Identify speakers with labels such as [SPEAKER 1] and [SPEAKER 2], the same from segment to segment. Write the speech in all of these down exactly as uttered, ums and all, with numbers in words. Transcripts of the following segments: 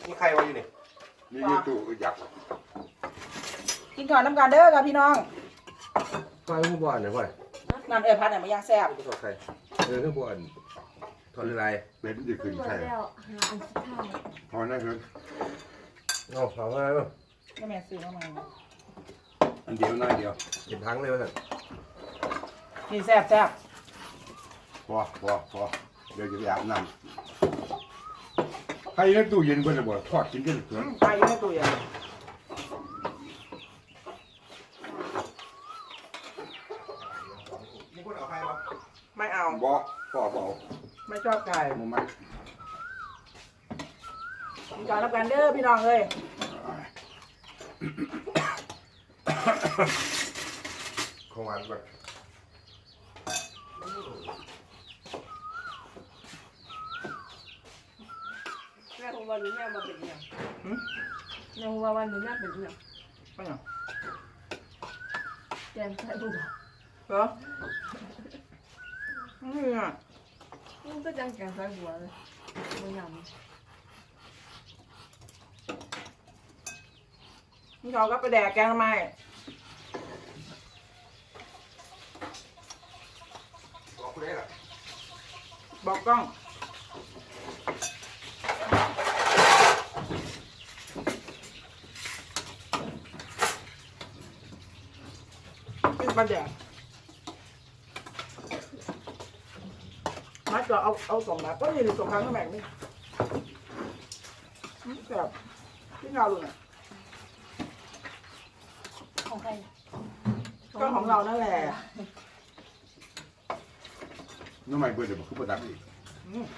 [SPEAKER 1] นี่ใครวะอยู่นี่
[SPEAKER 2] นี่ยูทูบอยาก
[SPEAKER 3] กินก่อนน้ำกันเด้อค่ะพี่น้อง
[SPEAKER 1] ใครผู้บ่อนเนี่ยพ่อย
[SPEAKER 3] นั่นเอ้ยพัดเนี่ยมาย่างแซ่บ
[SPEAKER 1] ผู้สอบใครเออผู้บ่อนทอนอะไร
[SPEAKER 2] เป็นจะขึ้นใช่พอนั่นคือ
[SPEAKER 1] เอาเอาอะไรบ้าง
[SPEAKER 3] ก็แม่ซื้อมาใหม่
[SPEAKER 2] อันเดียวน้อยเดียว
[SPEAKER 1] เก็บทั้งเลยมั้ง
[SPEAKER 3] นี่แซ่บแซ่บ
[SPEAKER 2] พอพอพอเดี๋ยวจะไปอาบน้ำใครในตู้เย็นก็จะบอกทอดกินกันเถอะ
[SPEAKER 3] ตายอยู่ในตู้เย็น
[SPEAKER 1] มีคนเอาใครวะ
[SPEAKER 3] ไม่เอา
[SPEAKER 2] บอกพ่อบอก
[SPEAKER 3] ไม่ชอบไก่
[SPEAKER 2] มันไม่
[SPEAKER 3] กินก่อนน้ำกันเด้อพี่น้องเลย
[SPEAKER 1] ของหวานก่อน
[SPEAKER 4] แม่ของวันนี้แม่มาเป็นยังแม่ของวันนี้แม่เป็นยัง
[SPEAKER 3] ไม่เอา
[SPEAKER 4] แกงไส้บุ๋ม
[SPEAKER 3] เหรอนี่อ่ะ
[SPEAKER 4] มันก็จังแกงไส้บัวเลยบัวยำ
[SPEAKER 3] นี่เขาก็ไปแดกแกงทำไม
[SPEAKER 1] บอกคุณได้หรอ
[SPEAKER 3] บอกกล้องกินปลาแดกมัดก็เอาเอาสองแบบก็นี่สองครั้งก็แบ่งนี่แบบที่เงาดูน่ะ
[SPEAKER 4] ของใคร
[SPEAKER 3] ก็ของเรานั่นแหละ
[SPEAKER 2] น้องใหม่เบิร์ดเดี๋ยวบอกคือประดับอีก
[SPEAKER 3] อืม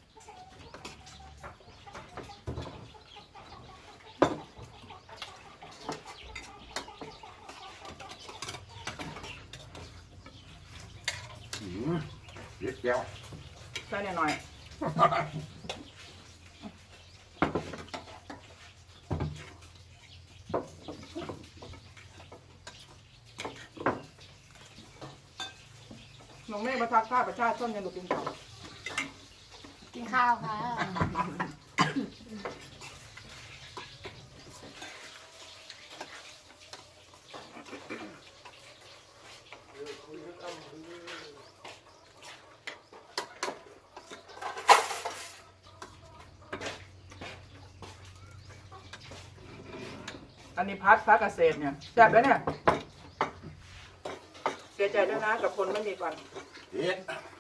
[SPEAKER 2] หืมเด็ดแก้ว
[SPEAKER 3] ใส่หน่อยน้องเมฆมาทักทายประชาชนยังดูกินข้าว
[SPEAKER 4] กินข้าวค่ะ
[SPEAKER 3] อันนี้พัดพักเกษตรเนี่ยแซ่บแล้วเนี่ยเสียใจด้วยนะกับคนไม่มีฟัน
[SPEAKER 2] เด็ด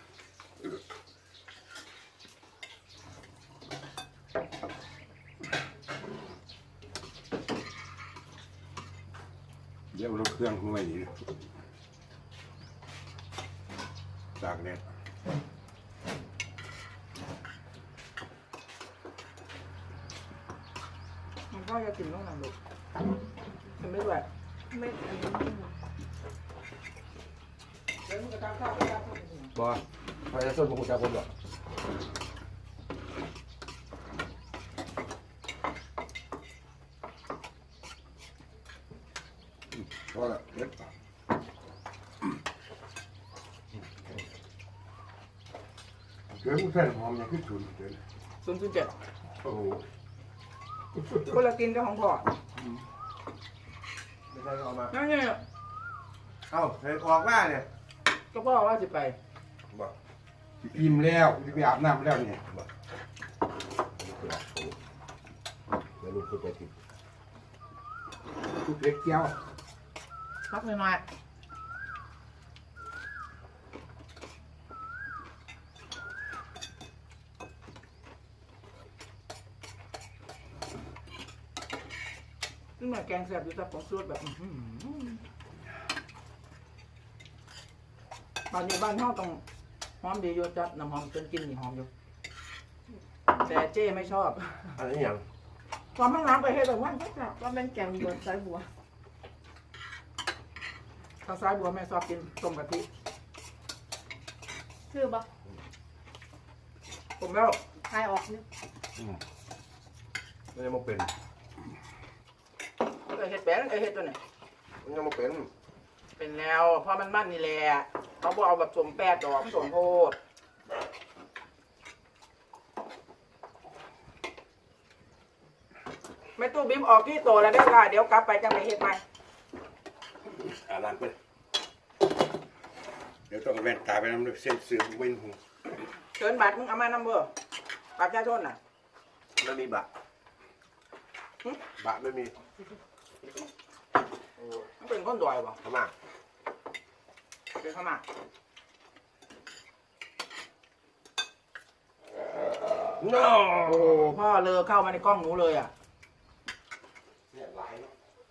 [SPEAKER 2] เดี๋ยวเราเครื่องขึ้นมาอีกจากเนี่ย
[SPEAKER 3] มันก็จะกินต้องนำลูกมันไม่ไหว
[SPEAKER 4] ไม่อันนี้
[SPEAKER 3] เดี๋ยวมึงจะทำข้าวไปทำข้าว
[SPEAKER 1] บอกใครจะส้นของคุณชาคนหรอ
[SPEAKER 2] พอละเด็ดเกลือกุ้งเส้นหอมยังขึ้นฉุนเกิน
[SPEAKER 3] ศูนย์ศูนย์เจ็ด
[SPEAKER 2] โอ้โห
[SPEAKER 3] คนละกินก็ของพ่อ
[SPEAKER 1] ไม่ใช่ก็เอามา
[SPEAKER 3] นั่นไง
[SPEAKER 1] เอ้าเห็นออกมาเนี่ย
[SPEAKER 3] ก็พ่อว่าจะไป
[SPEAKER 1] บอก
[SPEAKER 2] อิ่มแล้วจะไปอาบน้ำแล้วเนี่ย
[SPEAKER 1] บอกแล้วลูกคุณไปติด
[SPEAKER 2] ทุกเล็กแก้ว
[SPEAKER 3] พักหน่อยๆนี่แม่แกงแซ่บอยู่แต่ของสูตรแบบอื้อหือบ้านนี้บ้านห้องต้องหอมดีอยู่จัดน้ำหอมจนกินนี่หอมอยู่แต่เจ้ไม่ชอบ
[SPEAKER 1] อันนี้ยัง
[SPEAKER 3] ความห้องน้ำไปให้แบบว่าแซ่บ
[SPEAKER 4] ว่าเป็นแกงบัวไส้บัว
[SPEAKER 3] ข้าวซ้ายบัวแม่ชอบกินต้มกะทิ
[SPEAKER 4] ชื่อปะ
[SPEAKER 3] ผมแล้ว
[SPEAKER 4] ทายออกนี่
[SPEAKER 1] ไม่ได้มาเป็น
[SPEAKER 3] เออเห็ดแป้งเออเห็ดตัวไหน
[SPEAKER 1] ไม่ได้มาเป็น
[SPEAKER 3] เป็นแล้วเพราะมันมันนี่แหละเขาบอกเอาแบบสมแปดดอกสมโพด
[SPEAKER 2] เ
[SPEAKER 3] แม่ตู้บิ้มออกที่โตแล้วเด้อค่ะเดี๋ยวกลับไปจังไปเฮ็ดใหม่
[SPEAKER 1] อ่านร้านไป
[SPEAKER 2] เดี๋ยวต้องแว่นตาไปน้ำเส้นเสือเว้นหู
[SPEAKER 3] เชิญบัตรมึงเอามานำเบอร์บัตรประชาชนน่ะ
[SPEAKER 1] ไม่มีบะบะไม่มี
[SPEAKER 3] มันเป็นคนดอยบ่
[SPEAKER 1] พม่า
[SPEAKER 3] เป็นพม่า
[SPEAKER 1] โน่
[SPEAKER 3] โอ้พ่อเลอเข้ามาในกล้องหนูเลยอ่ะ
[SPEAKER 1] เนี่ยหลายเนาะ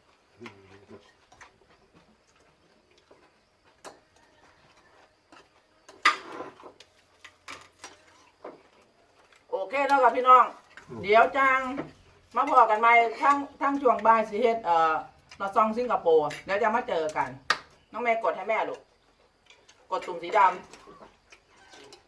[SPEAKER 3] โอเคแล้วกับพี่น้อง เดี๋ยวจังมาพอกันใหม่ทั้งทั้งช่วงบ่ายสิเฮ็ดเอ่อลอซองสิงคโปร์เดี๋ยวจะมาเจอกัน น้องแม่กดให้แม่ลูกกดตุ่มสีดำ